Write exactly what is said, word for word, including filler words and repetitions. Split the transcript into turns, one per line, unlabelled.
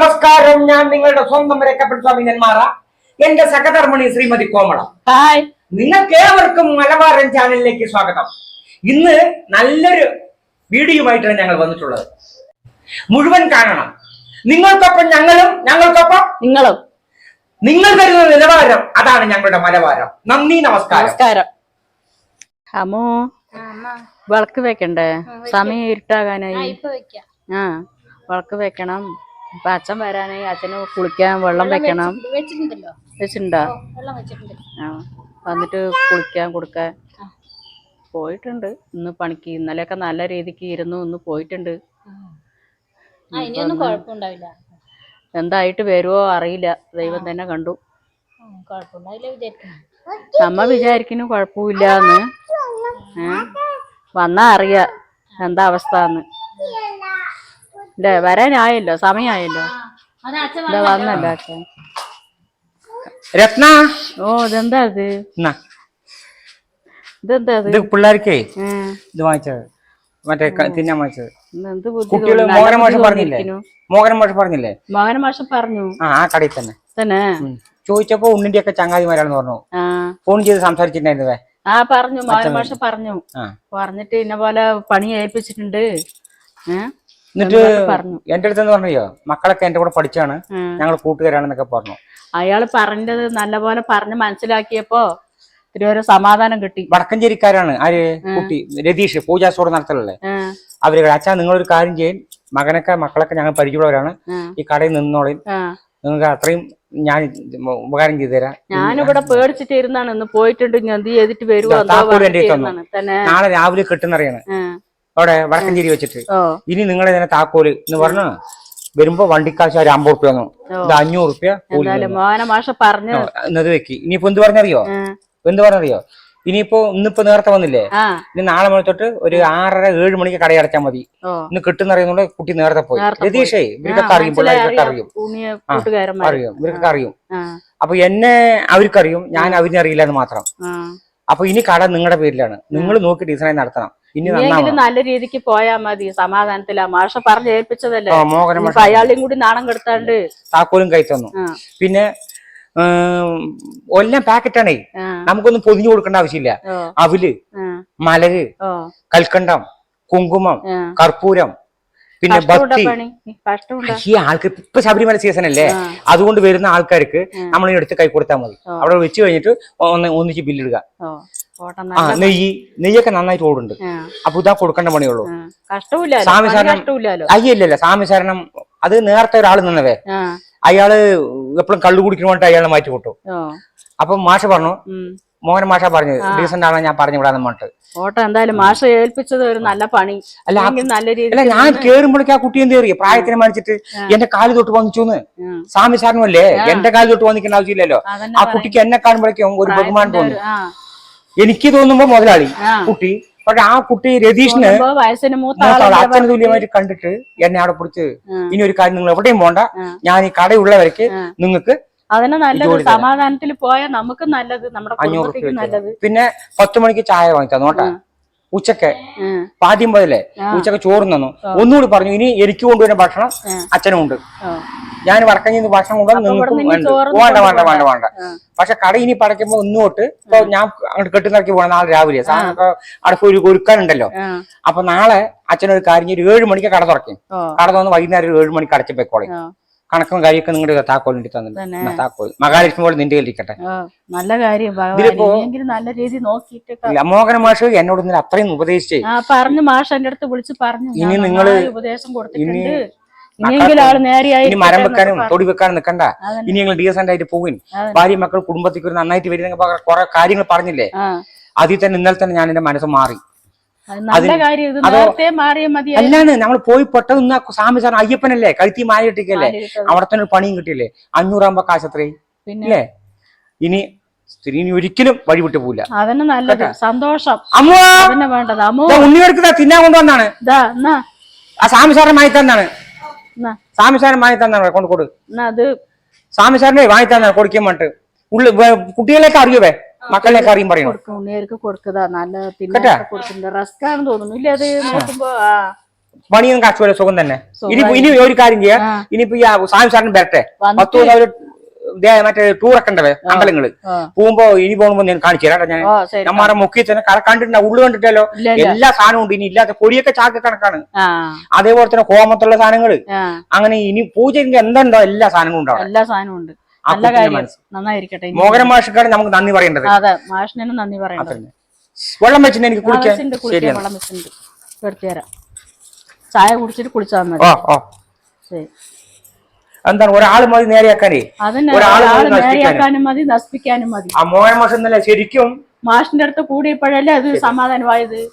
നമസ്കാരം. ഞാൻ നിങ്ങളുടെ സ്വന്തം രക്കപ്പെട്ട സ്വാമി നെന്മാറ. എന്റെ സഹധർമ്മിണി ശ്രീമതി കോമള.
ഹായ്,
നിങ്ങൾക്ക് ഏവർക്കും മലബാരൻ ചാനലിലേക്ക് സ്വാഗതം. ഇന്ന് നല്ലൊരു വീഡിയോയുമായിട്ടാണ് ഞങ്ങൾ വന്നിട്ടുള്ളത്. മുഴുവൻ കാണണം. നിങ്ങൾക്കൊപ്പം ഞങ്ങളും, ഞങ്ങൾക്കൊപ്പം
നിങ്ങളും.
നിങ്ങൾ തരുന്ന നിലവാരം അതാണ് ഞങ്ങളുടെ മലബാരം. നന്ദി, നമസ്കാരം.
നമസ്കാരം. അമ്മോ, വിളക്ക് വെക്കണ്ടേ? സമയം ഇരുട്ടാകാനായി. ആ, വിളക്ക് വെക്കണം. ഇപ്പൊ അച്ഛൻ വരാനായി. അച്ഛന് കുളിക്കാൻ വെള്ളം വെക്കണം. വെച്ചിട്ടുണ്ടോ? ആ, വന്നിട്ട് കുളിക്കാൻ കൊടുക്കാൻ പോയിട്ടുണ്ട്. ഇന്ന് പണിക്ക് ഇന്നലെയൊക്കെ നല്ല രീതിക്ക് ഇരുന്നു. ഇന്ന് പോയിട്ടുണ്ട്. എന്തായിട്ട് വരുവോ അറിയില്ല. ദൈവം തന്നെ കണ്ടു. നമ്മ വിചാരിക്കുന്നു കുഴപ്പമില്ലാന്ന്. ഏഹ് വന്നാ അറിയാ എന്താ അവസ്ഥ എന്ന്. അല്ലേ, വരാനായല്ലോ, സമയമായല്ലോ. എന്താ വന്നല്ലോ അച്ഛൻ.
രത്ന,
ഓ ഇതെന്താ ഇത്? ഇതെന്താ ഇത്?
പിള്ളേർക്കേ ഇത് വാങ്ങിച്ചത്, മറ്റേ തിന്നാൻ വാങ്ങിച്ചത്. കുട്ടികള് മോഹന മാഷ പറഞ്ഞില്ലേ? മോഹന മാഷ പറഞ്ഞില്ലേ?
മോഹന മാഷ പറഞ്ഞു. ആ
ആ കടയിൽ തന്നെ
തന്നെ
ചോദിച്ചപ്പോ ഉണ്ണിന്റെ ഒക്കെ ചങ്ങാതിമാരാണെന്ന് പറഞ്ഞു. ഫോൺ ചെയ്ത് സംസാരിച്ചിട്ടുണ്ടായിരുന്നേ.
ആ പറഞ്ഞു, മോഹന മാഷ പറഞ്ഞു. പറഞ്ഞിട്ട് ഇന്ന പോലെ പണി ഏൽപ്പിച്ചിട്ടുണ്ട്.
എന്നിട്ട് എന്റെ അടുത്തെന്ന് പറഞ്ഞോ, മക്കളൊക്കെ എന്റെ കൂടെ പഠിച്ചാണ്, ഞങ്ങൾ കൂട്ടുകാരാണെന്നൊക്കെ പറഞ്ഞു.
അയാള് പറഞ്ഞത് നല്ലപോലെ പറഞ്ഞ് മനസ്സിലാക്കിയപ്പോ ഇത്തിരി സമാധാനം കിട്ടി.
വടക്കഞ്ചേരിക്കാരാണ്. ആര്? കുട്ടി രതീഷ്, പൂജാ സ്റ്റോർ നടത്തലല്ലേ അവര്. അച്ഛാ നിങ്ങളൊരു കാര്യം ചെയ്യും, മകനൊക്കെ മക്കളൊക്കെ ഞങ്ങൾ പരിചയമുള്ളവരാണ്, ഈ കടയിൽ നിന്നോളി, നിങ്ങൾക്ക് അത്രയും ഞാൻ ഉപകാരം ചെയ്തു തരാം.
ഞാനിവിടെ പേടിച്ചിട്ട് ഇരുന്നാണ്. ഇന്ന് പോയിട്ടുണ്ട്, എന്ത് ചെയ്തിട്ട് വരുവോ.
നാളെ രാവിലെ കിട്ടുന്നറിയാണ് അവിടെ വടക്കഞ്ചേരി വെച്ചിട്ട്. ഇനി നിങ്ങളെ തന്നെ താക്കോല് എന്ന് പറഞ്ഞു വരുമ്പോ വണ്ടിക്കാശ് ഒരു അമ്പത് റുപ്യ വന്നു. ഇത് അഞ്ഞൂറ് റുപ്യ
പറഞ്ഞു
എന്നത് വെക്കി. ഇനിയിപ്പോ എന്ത് പറഞ്ഞറിയോ? എന്ത് പറഞ്ഞറിയോ? ഇനിയിപ്പോ ഇന്നിപ്പോ നേരത്തെ വന്നില്ലേ, ഇനി നാളെ മണി തൊട്ട് ഒരു ആറര ഏഴ് മണിക്ക് കട അടച്ചാൽ മതി. ഇന്ന് കിട്ടുന്നറിയുന്നുള്ള കുട്ടി നേരത്തെ പോയി. രതീഷേ ഇവർക്കൊക്കെ അറിയും, പിള്ളേർക്കൊക്കെ അറിയും, അറിയും, ഇവർക്കൊക്കെ അറിയും. അപ്പൊ എന്നെ അവർക്കറിയും, ഞാൻ അവരിനെ അറിയില്ല എന്ന് മാത്രം. അപ്പൊ ഇനി കട നിങ്ങളുടെ പേരിലാണ്, നിങ്ങൾ നോക്കി ഡിസൈൻ നടത്തണം. ഇനി
നല്ല രീതിക്ക് പോയാ മതി, സമാധാനത്തിലാ. മാഷ പറഞ്ഞ് ഏൽപ്പിച്ചതല്ലേ, അയാളെയും കൂടി നാണം കെടുത്താണ്ട്
താക്കോലും കൈ തന്നു. പിന്നെ എല്ലാം പാക്കറ്റാണേ, നമുക്കൊന്നും പൊതിഞ്ഞു കൊടുക്കേണ്ട ആവശ്യമില്ല. അവില്, മലര്, കൽക്കണ്ടം, കുങ്കുമം, കർപ്പൂരം, പിന്നെ ഭക്തി. ഈ ആൾക്ക് ഇപ്പൊ ശബരിമല സീസൺ അല്ലേ, അതുകൊണ്ട് വരുന്ന ആൾക്കാർക്ക് നമ്മൾ എടുത്ത് കൈ കൊടുത്താൽ മതി. അവിടെ വെച്ച് കഴിഞ്ഞിട്ട് ഒന്ന് ഒന്നിച്ച് ബില്ലിടുക. ആ നെയ്യ് നെയ്യൊക്കെ നന്നായിട്ട് ഓടുണ്ട്. അപ്പൊ ഇതാ കൊടുക്കേണ്ട പണിയുള്ളൂ. സ്വാമിശരണം അയ്യല്ലല്ല, സ്വാമിശരണം അത് നേരത്തെ ഒരാൾ നിന്നവേ, അയാള് എപ്പോഴും കള്ളു കുടിക്കണ വേണ്ടിട്ട് അയാളെ മാറ്റി വിട്ടു. അപ്പൊ മാഷ പറഞ്ഞു, മോഹൻ മാഷ പറഞ്ഞത് ഡീസന്റ് ആണ്, ഞാൻ പറഞ്ഞു വിടാന്ന് പറഞ്ഞിട്ട്.
ഓട്ടോ എന്തായാലും മാഷ ഏൽപ്പിച്ചത് ഒരു നല്ല പണി. അല്ല നല്ല രീതിയിൽ
അല്ല, ഞാൻ കേറുമ്പോഴേക്ക് ആ കുട്ടി എന്ത് കയറിയ പ്രായത്തിനെ മരിച്ചിട്ട് എന്റെ കാല് തൊട്ട് വന്നിച്ചോന്ന്. സ്വാമിശരണം അല്ലേ, എന്റെ കാല് തൊട്ട് വന്നിക്കേണ്ട ആവശ്യമില്ലല്ലോ. ആ കുട്ടിക്ക് എന്നെ കാണുമ്പോഴേക്കും ഒരു ബഹുമാനം തോന്നും. എനിക്ക് തോന്നുമ്പോ മുതലാളി കുട്ടി, പക്ഷെ ആ കുട്ടി രതീഷിന് അച്ഛന് തുല്യമായിട്ട് കണ്ടിട്ട് എന്നെ അവിടെ പിടിച്ച്, ഇനി ഒരു കാര്യം നിങ്ങൾ എവിടെയും പോണ്ട, ഞാൻ ഈ കടയുള്ളവർക്ക് നിങ്ങൾക്ക്
അതിന് നല്ലത് സമാധാനത്തിൽ പോയാൽ നമുക്ക് നല്ലത്, നമ്മുടെ കുടുംബത്തിക്ക് നല്ലത്.
പിന്നെ പത്ത് മണിക്ക് ചായ വാങ്ങിച്ചു നോട്ടാ. ഉച്ചക്ക് ആദ്യം പോയല്ലേ, ഉച്ചക്ക് ചോറ് തന്നു. ഒന്നുകൂടി പറഞ്ഞു, ഇനി എനിക്ക് കൊണ്ടുവരുന്ന ഭക്ഷണം അച്ഛനും ഉണ്ട്. ഞാൻ വടക്കഞ്ഞിന്ന് ഭക്ഷണം കൊണ്ടുവന്ന് നിങ്ങൾക്കും വേണ്ട വേണ്ട വേണ്ട വേണ്ട പക്ഷെ കട ഇനി പടയ്ക്കുമ്പോ ഒന്നുതൊട്ട് ഇപ്പൊ ഞാൻ അങ്ങോട്ട് കെട്ടുനിറക്കി പോകണം. നാളെ രാവിലെ അവിടെ ഒരു ഒരുക്കാനുണ്ടല്ലോ. അപ്പൊ നാളെ അച്ഛനൊരു കാര്യം, ഒരു ഏഴ് മണിക്ക് കട തുറക്കും. കട തുറന്ന് വൈകുന്നേരം ഒരു ഏഴ് മണിക്ക് അടച്ചു പോയിക്കോളെ. കണക്കും കാര്യമൊക്കെ നിങ്ങളുടെ താക്കോലിന്റെ തന്നെ താക്കോൽ മഹാലക്ഷ്മി പോലെ നിന്റെ കയ്യിലിരിക്കട്ടെ.
നല്ല കാര്യം. നല്ല രീതി നോക്കിയിട്ട്
മോഹന മാഷ് എന്നോട് ഇന്നലെ അത്രയും ഉപദേശിച്ചേ
പറഞ്ഞു. മാഷ് എന്റെ അടുത്ത് വിളിച്ച് പറഞ്ഞു,
ഇനി നിങ്ങള്
ഉപദേശം കൊടുത്തിട്ടുണ്ട്,
ഇനി മരം വെക്കാനും തൊടി വെക്കാനും നിൽക്കണ്ട, ഇനി നിങ്ങൾ ഡീസന്റ് ആയിട്ട് പോകും. ഭാര്യ മക്കൾ കുടുംബത്തിക്ക് നന്നായിട്ട് വരുന്ന കുറെ കാര്യങ്ങൾ പറഞ്ഞില്ലേ, അതിൽ തന്നെ ഇന്നലെ തന്നെ ഞാൻ എന്റെ മനസ്സ് മാറി. അല്ലാണ് നമ്മൾ പോയി പെട്ടത് സ്വാമി സാറിന് അയ്യപ്പനല്ലേ, കഴുത്തി മാല കിട്ടിക്കല്ലേ, അവിടെ തന്നെ ഒരു പണിയും കിട്ടിയല്ലേ. അഞ്ഞൂറാകുമ്പോ കാശ് അത്രയും ഇല്ലേ. ഇനി സ്ത്രീ ഒരിക്കലും വഴി വിട്ടു പോവില്ല.
അതന്നെ നല്ലത്, സന്തോഷം.
വേണ്ടത് ഉണ്ണിയെടുക്കുന്ന തിന്നാൻ കൊണ്ടുവന്നാണ് ആ സ്വാമി സാറിനെ വാങ്ങി തന്നാണ്. സ്വാമി സാറിന് വാങ്ങി തന്നാണ് കൊണ്ട് കൊടു. സ്വാമി സാറിനെ വാങ്ങി തന്നാണ് കൊടുക്കാൻ വേണ്ടിട്ട്. ഉള്ളു കുട്ടികളെയൊക്കെ അറിയുവേ, മക്കളിലേക്ക് അറിയും പറയണം.
കൊടുക്കുക നല്ല റസ്ക് ആണെന്ന് തോന്നുന്നു. ഇല്ല അത് നോക്കുമ്പോ
പണിയും കച്ചവടം സുഖം തന്നെ. ഇനിയിപ്പോ ഇനി ഒരു കാര്യം ചെയ്യാം, ഇനിയിപ്പോ ഈ സ്വാമി സാറിന് വരട്ടെ, പത്ത് ദിവസം അവര് മറ്റേ ടൂറൊക്കെ ഉണ്ടവേ അമ്പലങ്ങള് പോകുമ്പോ ഇനി പോകുമ്പോ ഞാൻ കാണിച്ചു തരാം. ഞാൻ നമ്മടെ മുക്കിൽ തന്നെ കണ്ടിട്ടുണ്ടോ, ഉള്ളു കണ്ടിട്ടല്ലോ, എല്ലാ സാധനവും ഉണ്ട്. ഇനി ഇല്ലാത്ത കൊടിയൊക്കെ ചാക്ക് കണക്കാണ്. അതേപോലെ തന്നെ ഹോമത്തുള്ള സാധനങ്ങള്, അങ്ങനെ ഇനി പൂജയ്ക്ക് എന്തുണ്ടോ എല്ലാ സാധനങ്ങളും ഉണ്ടാവും.
എല്ലാ സാധനവും ഉണ്ട്. നല്ല കാര്യം, നന്നായിരിക്കട്ടെ.
മോഹന മാഷിക്കാണ് നമുക്ക് നന്ദി പറയേണ്ടത്.
അതെ, മാഷിനും നന്ദി പറയേണ്ടത്.
വെള്ളം വെച്ചിട്ട് എനിക്ക് കുളിക്കാൻ
വെള്ളം വെച്ചിട്ടുണ്ട്, എടുത്തു തരാം. ചായ കുടിച്ചിട്ട് കുളിച്ചാൽ മതി.
ഓ ഓ ശരി. എന്താണ് ഒരാള് മതി നേരെയാക്കാനേ,
നേരെയാക്കാനും മതി, നശിപ്പിക്കാനും മതി.
ആ മോഹന മാഷ് എന്നല്ല ശരിക്കും
മാഷിന്റെ അടുത്ത് കൂടിയപ്പോഴല്ലേ അത് സമാധാനമായത്.